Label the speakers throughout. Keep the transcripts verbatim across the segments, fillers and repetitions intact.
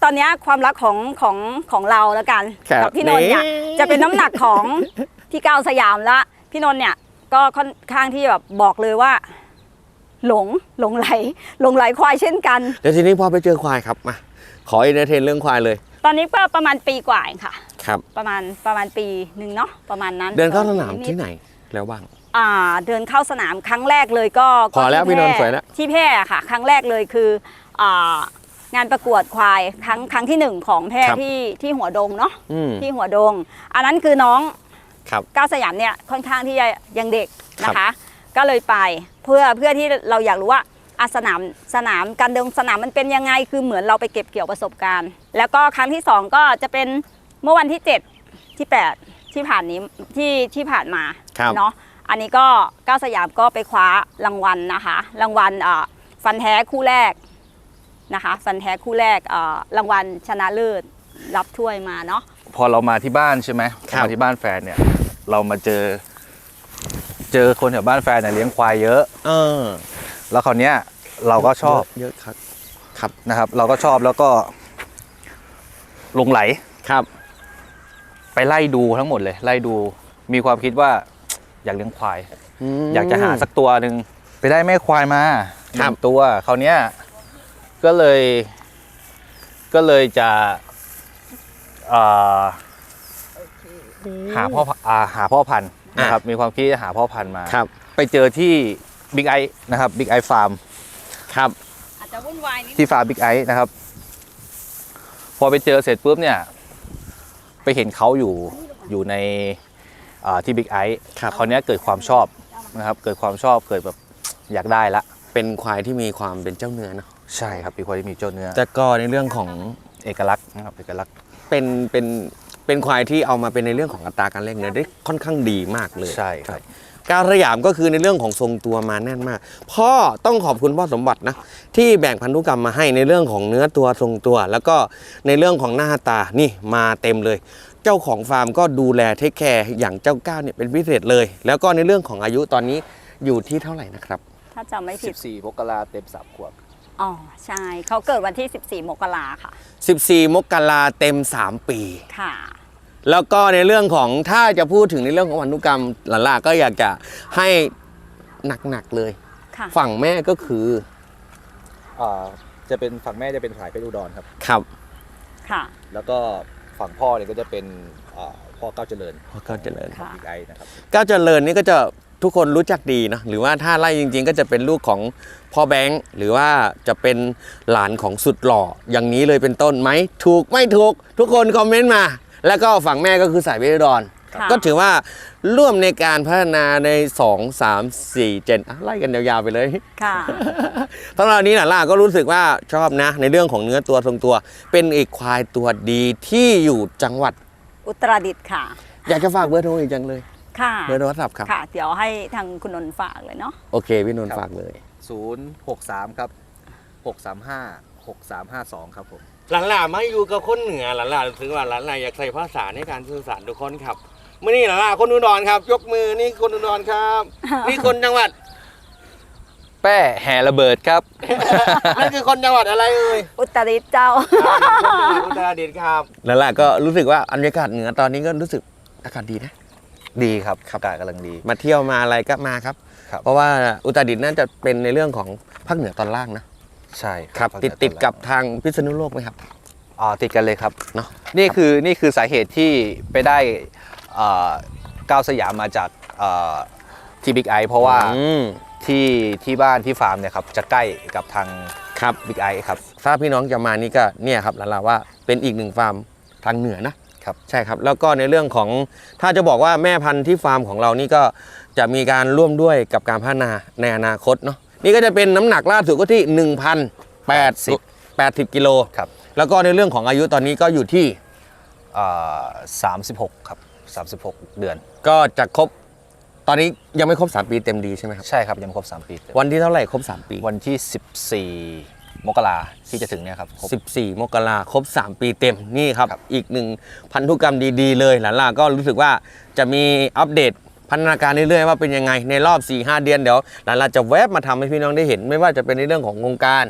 Speaker 1: ตอนนี้ความรักของของของเราแล้วกัน
Speaker 2: ครับ
Speaker 1: กับพี่นนท์เนี่ยจะเป็นน้ำหนักของพี่ก้าวสยามละพี่นนท์เนี่ยก็ค่อนข้างที่แบบบอกเลยว่า หลงหลงไหลหลงไหลควายเช่นกัน
Speaker 2: เดี๋ยวทีนี้พอไปเจอควายครับมาขออินเตอร์เทนเรื่องควายเลย
Speaker 1: ตอนนี้ก็ประมาณปีกว่าเองค่ะ
Speaker 2: ครับ
Speaker 1: ประมาณประมาณปีหนึ่งเนาะประมาณนั้น
Speaker 2: เดินเข้าสนามที่ไหนแล้วบ้าง
Speaker 1: อ่าเดินเข้าสนามครั้งแรกเลยก็
Speaker 2: พอแล้ว
Speaker 1: ก็
Speaker 2: พี่นนท์
Speaker 1: ที่
Speaker 2: สวยแล้ว
Speaker 1: ที่แพร่ค่ะ ครั้งแรกเลยคืออ่างานประกวดควายครั้งครั้งที่หนึ่งของแพร่
Speaker 2: ครับ
Speaker 1: ที่ที่หัวดงเนาะ
Speaker 2: อืม
Speaker 1: ที่หัวดง อันนั้นคือน้อง
Speaker 2: ครับ
Speaker 1: ก้าวสยามเนี่ยค่อนข้างที่จะยังเด็กนะ
Speaker 2: ครั
Speaker 1: คะ
Speaker 2: บ
Speaker 1: ก็เลยไปเพื่อเพื่อที่เราอยากรู้ว่าอ่ะสนามสนามการเดินสนามมันเป็นยังไงคือเหมือนเราไปเก็บเกี่ยวประสบการณ์ แล้วก็ครั้งที่สองก็จะเป็นเมื่อวันที่เจ็ดที่แปดที่ผ่านนี้ที่ที่ผ่านมา
Speaker 2: ครับ
Speaker 1: เนาะอันนี้ก็ก้าวสยามก็ไปคว้ารางวัลนะคะรางวัลอ่าฟันแท้คู่แรกนะคะฟันแท้คู่แรกอ่ารางวัลชนะเลิศรับถ้วยมาเนาะ
Speaker 3: พอเรามาที่บ้านใช่ไหม
Speaker 2: ครับ
Speaker 3: มาที่บ้านแฟนเนี่ย เรามาเจอ เจอคนแถวบ้านแฟนเนี่ยเลี้ยงควายเยอะ
Speaker 2: เออ
Speaker 3: แล้วคราวเนี้ยเราก็ชอบ
Speaker 2: เยอะครับครับ
Speaker 3: นะครับ เราก็ชอบแล้วก็หลงไหล
Speaker 2: ครับ
Speaker 3: ไปไล่ดูทั้งหมดเลย ไล่ดูมีความคิดว่า อยากเลี้ยงควาย
Speaker 2: ม
Speaker 3: อยากจะหาสักตัวหนึ่งไปได้แม่ควายมาห
Speaker 2: ครับ
Speaker 3: นึ่งตัวคราวเนี้ยก็เลยก็เลยจะเอ่อหาพ่ออ่าหาพ่อพันธุ์นะครับมีความคิดจะหาพ่อพันธุ์มา
Speaker 2: ครับ
Speaker 3: ไปเจอที่บิ๊กไอนะครับบิ๊กไอฟาร์ม
Speaker 2: ครับ
Speaker 1: อาจจะวุ่นวายนิด
Speaker 3: ที่ฟาร์มบิ๊กไอนะครับ พอไปเจอเสร็จปุ๊บเนี่ย ไปเห็นเขาอยู่อยู่ในอ่าที่บิ๊กไอ
Speaker 2: ครับ
Speaker 3: คราวเนี้ยเกิดความชอบนะครับ เกิดความชอบเกิดแบบอยากได้ละ
Speaker 2: เป็นควายที่มีความเป็นเจ้าเนื้อเนาะ
Speaker 3: ใช่ครับเป็นควายที่มีเจ้าเนื้อ
Speaker 2: แต่ก็ในเรื่องของ
Speaker 3: เอกลักษณ์นะครับเอกลักษณ์
Speaker 2: เป็นเป็นเป็นควายที่เอามาเป็นในเรื่องของอัตราการเล่นเนื้อได้ค่อนข้างดีมากเลย
Speaker 3: ใช่ครับ
Speaker 2: ก้าวสยามก็คือในเรื่องของทรงตัวมาแน่นมากพ่อต้องขอบคุณพ่อสมบัตินะที่แบ่งพันธุกรรมมาให้ในเรื่องของเนื้อตัวทรงตัว แล้วก็ในเรื่องของหน้าตานี่มาเต็มเลย เจ้าของฟาร์มก็ดูแลเทคแคร์อย่างเจ้าก้าวเนี่ยเป็นพิเศษเลย แล้วก็ในเรื่องของอายุตอนนี้อยู่ที่เท่าไหร่นะครับ
Speaker 1: ถ้าจำไม่ผิ
Speaker 3: สิ
Speaker 1: ด
Speaker 3: บสี่มกราเต็มสามขวบ
Speaker 1: อ๋อใช่เขาเกิดวันที่สิบสี่มกราค่ะ
Speaker 2: สิบสี่ มกราเต็มสามปี
Speaker 1: ค่ะ
Speaker 2: แล้วก็ในเรื่องของถ้าจะพูดถึงในเรื่องของพันธุกรรมหลานล่าก็อยากจะให้หนักๆเลย
Speaker 1: ค่ะ
Speaker 2: ฝั่งแม่ก็คือ
Speaker 3: อ่าจะเป็นฝั่งแม่จะเป็นสายเพชรอุดรครับ
Speaker 2: ครับ
Speaker 1: ค่ะ
Speaker 3: แล้วก็ฝั่งพ่อเนี่ยก็จะเป็นอ่าพ่อก้าวเจริญ
Speaker 2: พ่อก้าวเจริญ
Speaker 1: ค่ะ
Speaker 3: บิ๊กไอนะครับ
Speaker 2: ก้าวเจริญนี่ก็จะทุกคนรู้จักดีนะหรือว่าถ้าไล่จริงๆ ก็จะเป็นลูกของพ่อแบงค์หรือว่าจะเป็นหลานของสุดหล่ออย่างนี้เลยเป็นต้นไหมถูกไม่ถูกทุกคนคอมเมนต์มา แล้วก็ฝั่งแม่ก็คือสายเพชรอุดร
Speaker 1: ค่ะ
Speaker 2: ก็ถือว่าร่วมในการพัฒนาในสอง สาม สี่เจนอ่ะไล่กันยาวๆไปเลย
Speaker 1: ค่ะ
Speaker 2: ตอนนี้หล่าก็รู้สึกว่าชอบนะ ในเรื่องของเนื้อตัวทรงตัว เป็นอีกควายตัวดีที่อยู่จังหวัด
Speaker 1: อุตรดิตถ์ค่ะ
Speaker 2: อยากจะฝากเบอร์โทรอีกจังเลย
Speaker 1: ค่ะ
Speaker 2: เบอร์โทรศัพท์ครับ
Speaker 1: ค่ะ เดี๋ยวให้ทางคุณนนท์ฝากเลยเนาะ
Speaker 2: โอเคพี่นนท์
Speaker 3: ครับ
Speaker 2: ฝากเลย
Speaker 3: ศูนย์หกสามครับหกสามห้าหกสามห้าสองครับผม
Speaker 2: หลานหล่ามาอยู่กับคนเหนือหลานหล่ารู้สึกว่าหลานหล่าอยากใส่ภาษาในการสื่อสารทุกคนครับเมื่อนี้หลานหล่าคนอุดรครับ ยกมือนี่คนอุดรครับ นี่คนจังหวัด
Speaker 3: แป้แห่ระเบิดครับ
Speaker 2: นั่นคือคนจังหวัดอะไรเอ่ย
Speaker 1: อุตรดิตถ์เจ้า
Speaker 2: อุตรดิตถ์ครับหลานหล่าก็รู้สึกว่าบรรยากาศเหนือตอนนี้ก็รู้สึกอากาศดีนะ
Speaker 3: ดีครับอากาศกำลังดี
Speaker 2: มาเที่ยวมาอะไรก็มาครับ
Speaker 3: ครับ
Speaker 2: เพราะว่าอุตรดิตถ์น่าจะเป็นในเรื่องของภาคเหนือตอนล่างนะ
Speaker 3: ใช่
Speaker 2: ครับ
Speaker 3: ภาคเห
Speaker 2: ติ
Speaker 3: นื
Speaker 2: ด
Speaker 3: อ
Speaker 2: ติด
Speaker 3: ตอนล่าง
Speaker 2: กับทางพิษณุโลกไหมครับ
Speaker 3: อ๋อติดกันเลยครับ
Speaker 2: เนาะ
Speaker 3: นี่คือนี่คือสาเหตุที่ไปได้เอ่อก้าวสยามมาจากเอ่อที่บิ๊กไอเพราะว่า
Speaker 2: อืม
Speaker 3: ที่ที่บ้านที่ฟาร์มเนี่ยครับจะใกล้กับทาง
Speaker 2: ครับ
Speaker 3: บิ๊กไอครับ
Speaker 2: ถ้าพี่น้องจะมานี่ก็เนี่ยครับหลานหล่าว่าเป็นอีกหนึ่งฟาร์มทางเหนือนะครับ ใช่ครับ แล้วก็ในเรื่องของถ้าจะบอกว่าแม่พันธุ์ที่ฟาร์มของเรานี่ก็จะมีการร่วมด้วยกับการพัฒนาในอนาคตเนาะนี่ก็จะเป็นน้ำหนักล่าสุดก็ที่ หนึ่งพันแปดสิบ กิโล
Speaker 3: ครับ
Speaker 2: แล้วก็ในเรื่องของอายุตอนนี้ก็อยู่ที่
Speaker 3: เอ่อสามสิบหกครับสามสิบหกเดือน
Speaker 2: ก็จะครบตอนนี้ยังไม่ครบสามปีเต็มดีใช่ไหมครับ
Speaker 3: ใช่ครับยังไม่ครบสามปีเต็ม
Speaker 2: วันที่เท่าไหร่ครบสามปี
Speaker 3: วันที่สิบสี่มกราที่จะถึงเนี่ยครับครบ
Speaker 2: สิบสี่ มกราครบ สาม ปีเต็มนี่ครับ
Speaker 3: ครับ
Speaker 2: อีกหนึ่งพันธุกรรมดีๆเลยหลานล่าก็รู้สึกว่าจะมีอัปเดตพัฒนาการเรื่อยๆว่าเป็นยังไงในรอบ สี่ห้า เดือนเดี๋ยวหลานล่าจะแวบมาทำให้พี่น้องได้เห็น ไม่ว่าจะเป็นในเรื่องของวงการ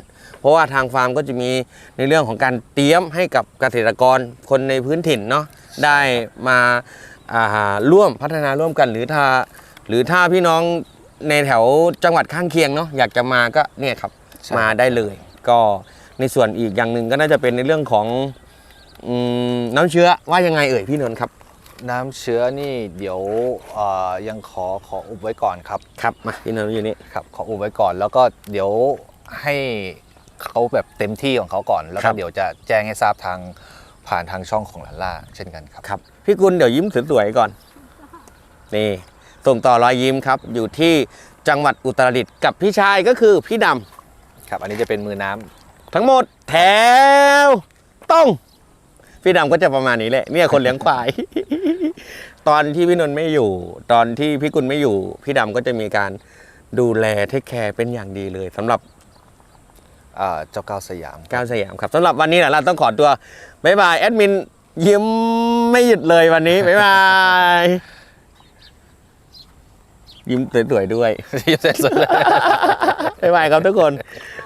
Speaker 2: เพราะว่าทางฟาร์มก็จะมีในเรื่องของการเตรียมให้กับเกษตรกรคนในพื้นถิ่นเนาะได้มาอ่าร่วมพัฒนาร่วมกันหรือถ้าหรือถ้าพี่น้องในแถวจังหวัดข้างเคียงเนาะอยากจะมาก็เนี่ยครับ
Speaker 3: ใช่
Speaker 2: มาได้เลย ก็ในส่วนอีกอย่างหนึ่งก็น่าจะเป็นในเรื่องของอืมน้ำเชื้อว่ายังไงเอ่ยพี่นนท์ครับ
Speaker 3: น้ำเชื้อนี่เดี๋ยวเอ่อยังขอขออุบไว้ก่อนครับ
Speaker 2: ครับมาพี่นนท์อยู่นี่
Speaker 3: ครับขออุบไว้ก่อน แล้วก็เดี๋ยวให้เขาแบบเต็มที่ของเขาก่อน แล้ว
Speaker 2: ครั
Speaker 3: ก็
Speaker 2: บ
Speaker 3: เดี๋ยวจะแจ้งให้ทราบทางผ่านทางช่องของลาล่าเช่นกันครับ
Speaker 2: ครับพี่กุลเดี๋ยวยิ้มสวยๆก่อนนี่ส่งต่อรอยยิ้มครับอยู่ที่จังหวัดอุตรดิตถ์กับพี่ชายก็คือพี่ดำ
Speaker 3: ครับ อันนี้จะเป็นมือน้ำ
Speaker 2: ทั้งหมดแถวต้องพี่ดำก็จะประมาณนี้แหละเนี่ยคนเลี้ยงควาย ตอนที่พี่นนท์ไม่อยู่ ตอนที่พี่กุลไม่อยู่ พี่ดำก็จะมีการดูแลเทคแคร์เป็นอย่างดีเลยสำหรับ
Speaker 3: เอ่อเจ้าก้าวสยาม
Speaker 2: ก้าวสยามครับสำหรับวันนี้แหละเราต้องขอตัวบ๊ายบายแอดมินยิ้มไม่หยุดเลยวันนี้บ๊ายบายยิ้มสวยๆด้วย
Speaker 3: ที่เสร็จสุด
Speaker 2: บ๊ายบายครับทุกคน
Speaker 3: ค